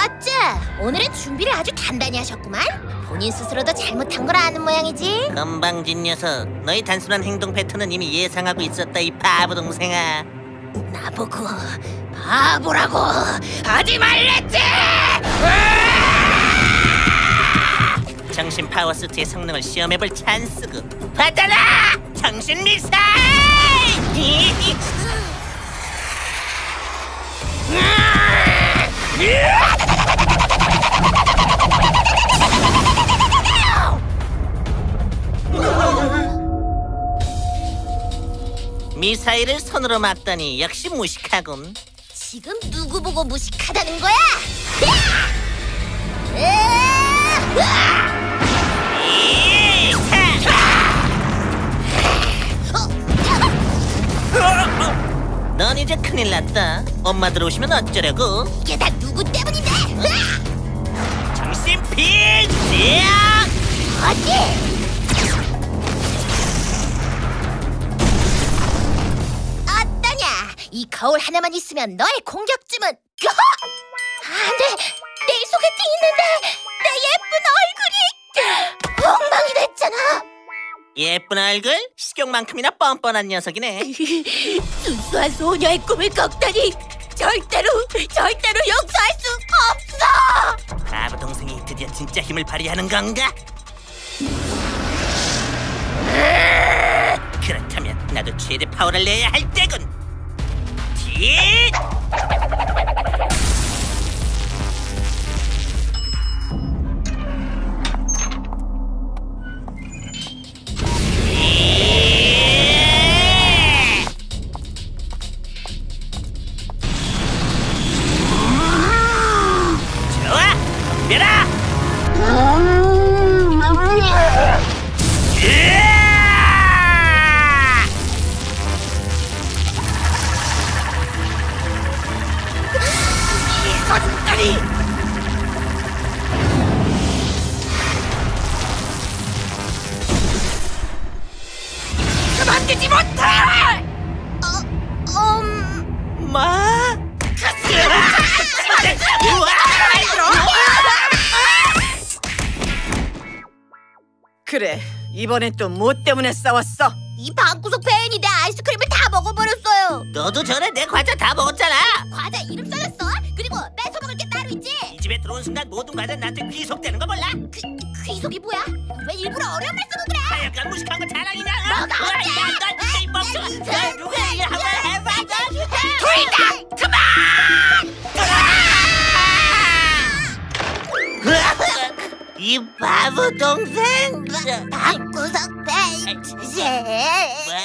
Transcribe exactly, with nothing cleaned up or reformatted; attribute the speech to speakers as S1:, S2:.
S1: 어째 오늘은 준비를 아주 단단히 하셨구만. 본인 스스로도 잘못한 걸 아는 모양이지.
S2: 건방진 녀석, 너희 단순한 행동 패턴은 이미 예상하고 있었다, 이 바보 동생아.
S1: 나보고 바보라고 하지 말랬지.
S2: 정신 파워수트의 성능을 시험해볼 찬스고. 받아라! 정신 미사일! 미사일을 손으로 막다니 역시 무식하군.
S1: 지금 누구 보고 무식하다는 거야?
S2: 넌 이제 큰일 났다. 엄마 들어오시면 어쩌려고?
S1: 이게 다 누구 때문인데?
S2: 정신 필지야!
S1: 어디? 어떠냐? 이 거울 하나만 있으면 너의 공격쯤은 안돼! 내일 소개팅 있는데 내 예쁜 얼굴이 엉망이 됐잖아.
S2: 예쁜 얼굴? 식욕만큼이나 뻔뻔한 녀석이네.
S1: 순수한 소녀의 꿈을 꺾다니 절대로 절대로 용서할 수 없어.
S2: 바보 동생이 드디어 진짜 힘을 발휘하는 건가? 그렇다면 나도 최대 파워를 내야 할 때군. 뒷! 좋아! 덤벼라! 이것들이! 그만두지 못해!
S1: 어, 음...
S2: 마?
S3: 그래, 이번엔 또 뭐 때문에 싸웠어?
S1: 이 방구석 배인이 내 아이스크림을 다 먹어버렸어요.
S2: 너도 전에 내 과자 다 먹었잖아.
S1: 과자 이름 써놨어? 그리고 뺏어 먹을 게 따로 있지.
S2: 이 집에 들어온 순간 모든 과자 나한테 귀속되는 거 몰라?
S1: 그, 귀속이 뭐야? 왜 일부러 어려운 말 쓰고 그래?
S2: 하여간 무식한 거 자랑이냐?
S1: 너가
S2: 어?
S1: 어때?
S2: 야, 너 진짜 이 멍청아. 너 누구야? 이거 한번 해봐.
S1: 둘다 그만!
S2: 이 바보 동생.
S1: 방구석 배인.
S2: 뭐?